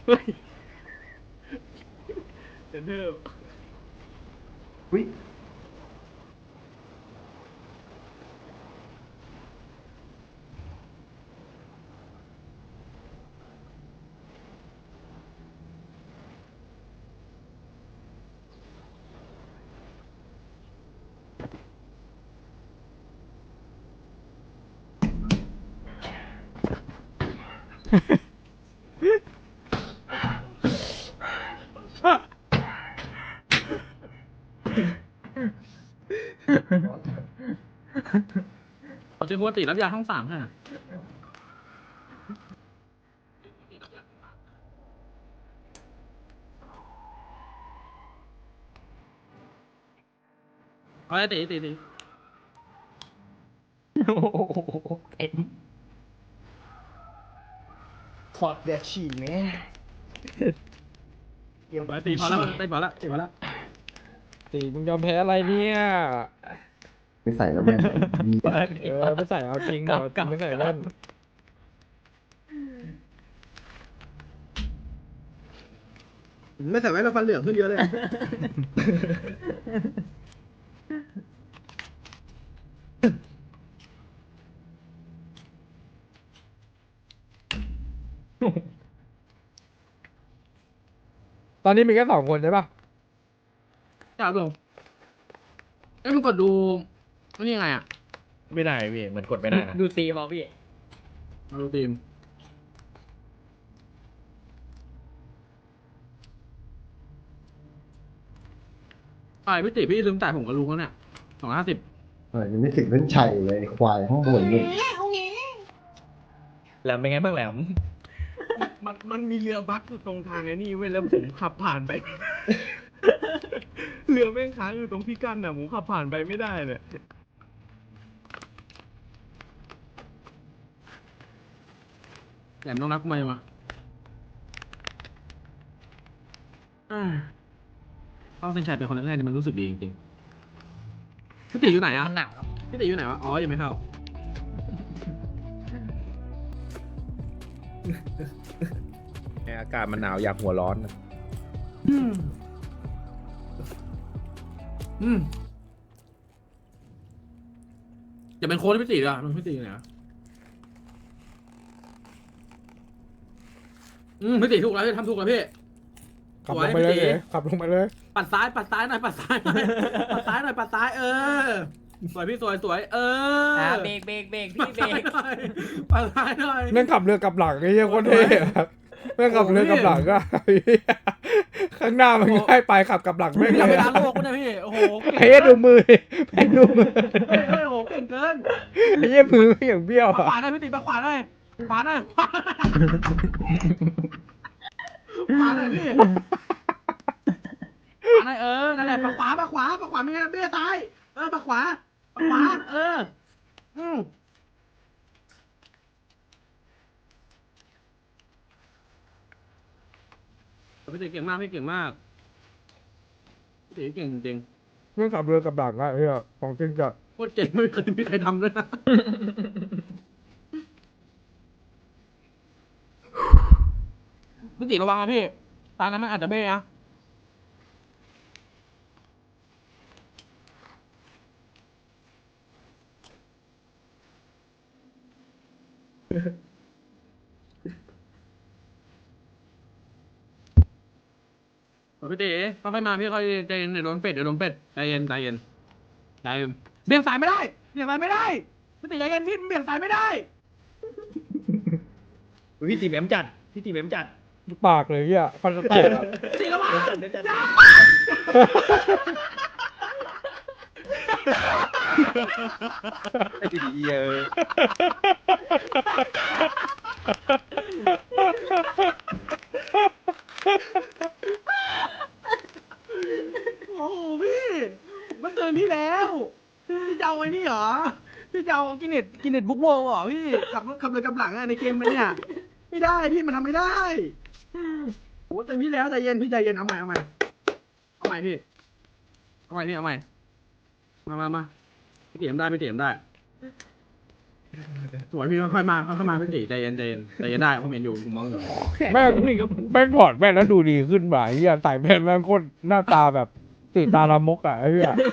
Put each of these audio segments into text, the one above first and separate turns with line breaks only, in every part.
เฮ้ยเดี๋ยวเดิม
อุ้ย
เขาชื่อปกติรับยาทั้งสามค่ะเอาไอ้ตี
โอ้โหเต็มถอดแดดฉี่แม่เตรียม
ไปตีพอแล้วตีพอแล้วตีพอแล้ว
ตีมึงยอมแพ้อะไรเนี่ย
ไม่ใส่แล้วแม่งมี
ไม่ใส่เอาจริงเหรอจริงไม่ใส่เล่น
ไม่ใส่ไว้เราฟันเหลืองขึ้นเยอะเลย
ตอนนี้มีแค่2 คนใช่ปะ
จ้าเบลเอ้ยมึงกดดูนี่ยังไงอ่ะ
ไม่ได้พี่เหมือนกดไม่ได้นะ
ดูตีมเอาพี่
มาดูทีมไปพี่ติพี่ลืมจ่ายผมกับลุงแล้วเนี่ย250
เออยังไม่ถึงเส้นชัยเลยควายข้างบนนี่
แหลมเป็นไงบ้างแหลม
มันมีเรือบัสอยู่ตรงทางไอ้นี่เว้ยแล้วผมขับผ่านไป เรือแม่งค้างอยู่ตรงพี่กั้นน่ะผมขับผ่านไปไม่ได้เนี่ยแหลมต้องรักไหมวะต้องเส้นชัยเป็นคนแรกๆนี่มันรู้สึกดีจริงๆพี่ติอยู่ไหนอ่ะ
มันหนาวครับ
พี่ติอยู่ไหนวะอ๋อยังไม่เข้า
อากาศมันหนาวอยากหัวร้อน
อย่าเป็นโค้ชพี่ติอ่ะมันพี่ติอยู่ไหนวะพี่ติถูกแล้วพี่ทำถูกแล้วพี่
ขับลงไปเลยขับลงไปเลย
ปัดซ้ายหน่อยปัดซ้ายหน่อยปัดซ้ายหน่อยปัดซ้ายสวยพี่สวย
เบรกพี่เบรก
ปัดซ้ายหน่อย
แม่งขับเรือกลับหลังไอ้เหี้ยโคตรเท่อะแม่งขับเรือกลับหลังก็ ข้างหน้ามันง่ายไปขับกลับหลังไม่
อย่า
เล
ไป
ย
ล้างโลกนะพี่โอ้โห
ไอ้เหี้ยดูมือแม่งดูมือ
เฮ้ยโอ้โหเก่งเกิน
ไอ้เหี้ยมือไม่อย่างเบี้ยว
ข
อะ
วาหน่อยพี่ติขวาหน่อยขวาหน่อยขวาหน่อยพี่ขวาหน่อยนั่นแหละขวาไม่งั้นเบี้ยตายขวาพี่ติเก่งมากพี่เก่งมากพี่ติเก่งจริง
แม่งขับเรือกลับหลังอะไอ้เหี้ยของจริงจัด
โคตรเจ๋งไม่เคยมีใครทำด้วยนะพี่ติระวังนะพี่ตานั้นมันอาจจะเบ้นะพี่ติค่อยๆมาพี่ค่อยใจเย็นเดี๋ยวโดนเป็ดใจเย็นเบี่ยงสายไม่ได้พี่ติใจเย็นพี่เบี่ยงสายไม่ได้
พี่ตีแหลมจัด
ปากเลยเหี้ยฟันจะแตกอะ
สีระวัง
ไอ้ดีเยอะ
โอ้โหพี่มันเตือนพี่แล้วพี่จะเอาไอ้นี่เหรอพี่จะเอากินเน็ตบุ๊กโวเหรอพี่ขับเลยกับหลังอะในเกมเนี่ยไม่ได้พี่มันทำไม่ได้โอ้เตือนพี่แล้วใจเย็นพี่ใจเย็นเอาใหม่พี่เอาใหม่มาพี่เตรียมได้สวยพี่ค่อยๆมาค่อยๆมาพี่ตีใจเย็นใจเย็นใจเย็นได้ผมเห็นอยู่ผมมองอยู่
แม่งแม่งถอดแว่นแล้วดูดีขึ้นว่ะไอ้เหี้ยใส่แว่นแม่งโคตรหน้าตาแบบติดตาลามกอ่ะไอ้เหี้ย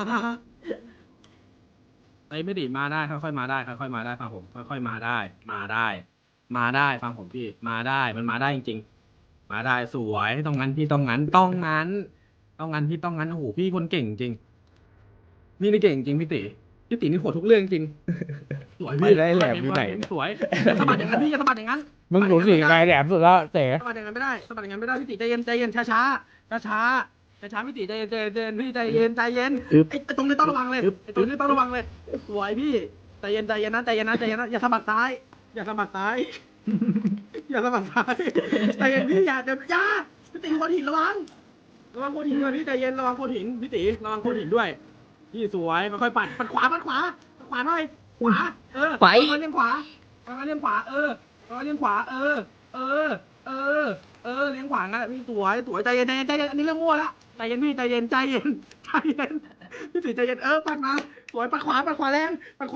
ไอ้ไม่ดีมาได้ค่อยๆมาได้ค่อยๆมาได้ฟังผมค่อยๆมาได้มาได้มาได้ฟังผมพี่มาได้มันมาได้จริงๆมาได้สวยต้องงั้นพี่ต้องงั้นต้องงั้นต้องงั้นพี่ต้องงั้นโอ้โหพี่คนเก่งจริงพี่นี่เก่งจริงพี่ตีนี่โหดทุกเรื่องจริงสวยพี่
ไม่ได้แหลมอยู่ไหนเนี่ย
สวยอย่าสะบัดอย่างนั้นพี่อย่าสะบัดอย่างนั้น
มึงรู้สึกยังไงแหลมสุดแล้วเต๋
สะบัดอย่างนั้นไม่ได้สะบัดอย่างนั้นไม่ได้พี่ตีใจเย็นใจเย็นช้าช้าช้าช้าช้าพี่ตีใจเย็นใจเย็นพี่ใจเย็นใจเย็นไอ้ตรงนี้ต้องระวังเลยไอ้ตรงนี้ต้องระวังเลยสวยพี่ใจเย็นใจเย็นนะใจเย็นนะใจเย็นนะอย่าสะบัดซ้ายอย่าสะบัดซ้ายอย่าสะบัดซ้ายใจเย็นพี่อย่าพี่ตีโคนหินระวังโคนหินด้วยพี่ใจเย็นระวังโคนหินพี่ตีระวังโคนหินด้วยพี่สวยค่อยๆปัดขวาหน่อยขวาเลี้ยงขวาเลี้ยงขวาเลี้ยงขวาเลี้ยงขวางั้นพี่สวยใจเย็นอันนี้เรื่องมั่วละใจเย็นพี่ใจเย็นพี่ตีใจเย็นปัดมาสวยปัดขวาแรงส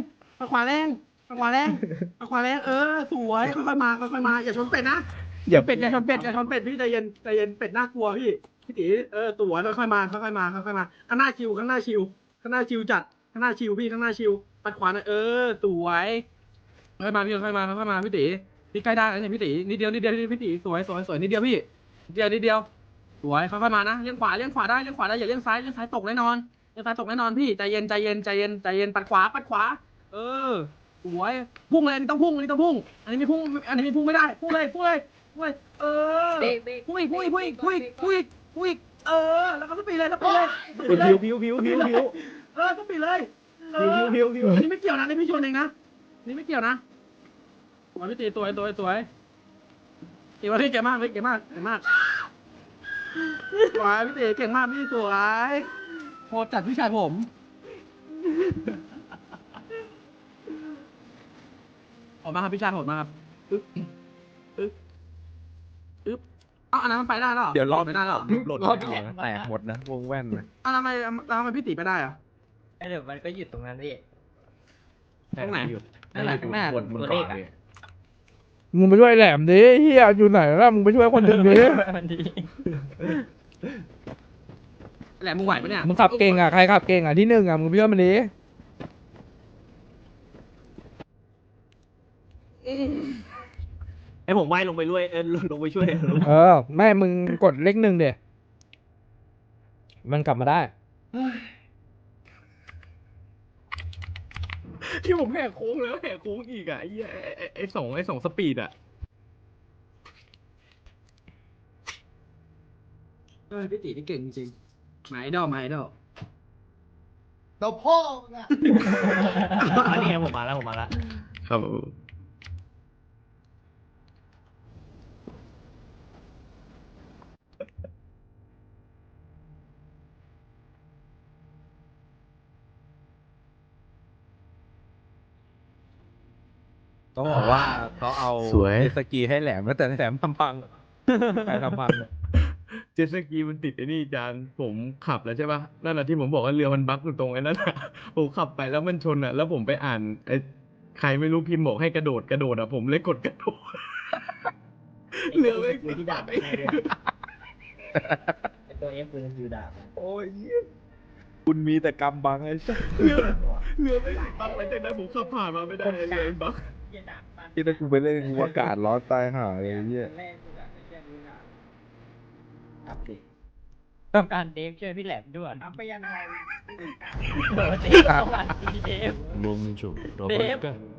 วยค่อยๆมาอย่าชนเป็ดนะอย่าชนเป็ดพี่ใจเย็นเป็ดน่ากลัวพี่ตีสวยค่อยๆมาข้างหน้าชิวจัดข้างหน้าชิวพี่ข้างหน้าชิวปัดขวาหน่อยสวยค่อยๆมาพี่ค่อยๆมาพี่ตีพี่ใกล้ได้แล้วเนี่ยพี่ตีนิดเดียวพี่ตีสวยนิดเดียวพี่นิดเดียวสวยค่อยๆมานะเลี้ยงขวาได้อย่าเลี้ยงซ้ายตกแน่นอนพี่ใจเย็นปัดขวาสวยพุ่งเลยอันนี้ต้องพุ่งอันนี้ไม่พุ่งไม่ได้พุ่งเลยพุ่งอีกแล้วก็สปีดเลย
ผิว
สปีดเลยอันนี้ไม่เกี่ยวนะนี่พี่ชนเองนะนี่ไม่เกี่ยวนะสวยพี่ตีสวยตีว่าพี่เก่งมากสวยพี่ตีเก่งมากพี่สวยโหดจัดพี่ชายผมออกมาครับพี่ชายโหดมากครับอันนั้นมันไปได้หรอ
เดี๋ยวรอบ
ไปได้หรอ
หล่นแตกหมดนะวงแว่นนะ
ทำไมพี่ตีไปได้อะ
เดี๋ยวมันก็หยุดตรงนั้นพี่
ตรงไหน
นั่นแหละข้างหน้าตัวเลขอ่ะ
มึงไปช่วยแหลมดิเฮียอยู่ไหนล่ะมึงไปช่วยคนอื่นดิ
มันดี
แหลมมึงไหวปะเนี่ย
มึงขับเก่งอ่ะใครขับเก่งอ่ะที่หนึ่งอ่ะมึงไปช่วยมันดิ
ไอผมว่ายลงไปด้วยลงไปช่วย
แม่มึงกดเลขหนึ่งเดี๋ยมันกลับมาได้
ที่ผมแหกโค้งแล้วแหกโค้งอีกอ่ะไอ้สองสปีดอ่ะ
พี่ตีนี่เก่งจริงหมายดอก
เราพ่อไง
อันนี้ไงผมมาแล้วครับ
ต้องบอกว่าเขาเอา
สวย
เจตสกีให้แหลมแล้วแต่แหลมทำพังใครทำพังเนี่ย
เจ็ตสกีมันติดไอ้นี่จานผมขับแล้วใช่ป่ะนั่นแหละที่ผมบอกว่าเรือมันบั๊กอยู่ตรงไอ้นั่นอะผมขับไปแล้วมันชนอ่ะแล้วผมไปอ่านไอ้ใครไม่รู้พิมพ์บอกให้กระโดดอ่ะผมเลยกดกระโดดเรือไม่ที่ดาบตัวเอฟคืออยู่ดาบ
โอ้ยคุณมีแต่กำบังไอ้สัส
เรือไม่บั๊กหลังจากนั้นผมขับผ่านมาไม่ได้เรือมันบั๊ก
ที่ถ้ากูไปเล่นกูอากาศร้อนตายห่าเลยไอ้เนี่ย
ต้องการเดฟช่วยพี่แหลมด้วยทำไปยังไงเดฟต้องการเดฟ
Momento,
Dave.
Roberta.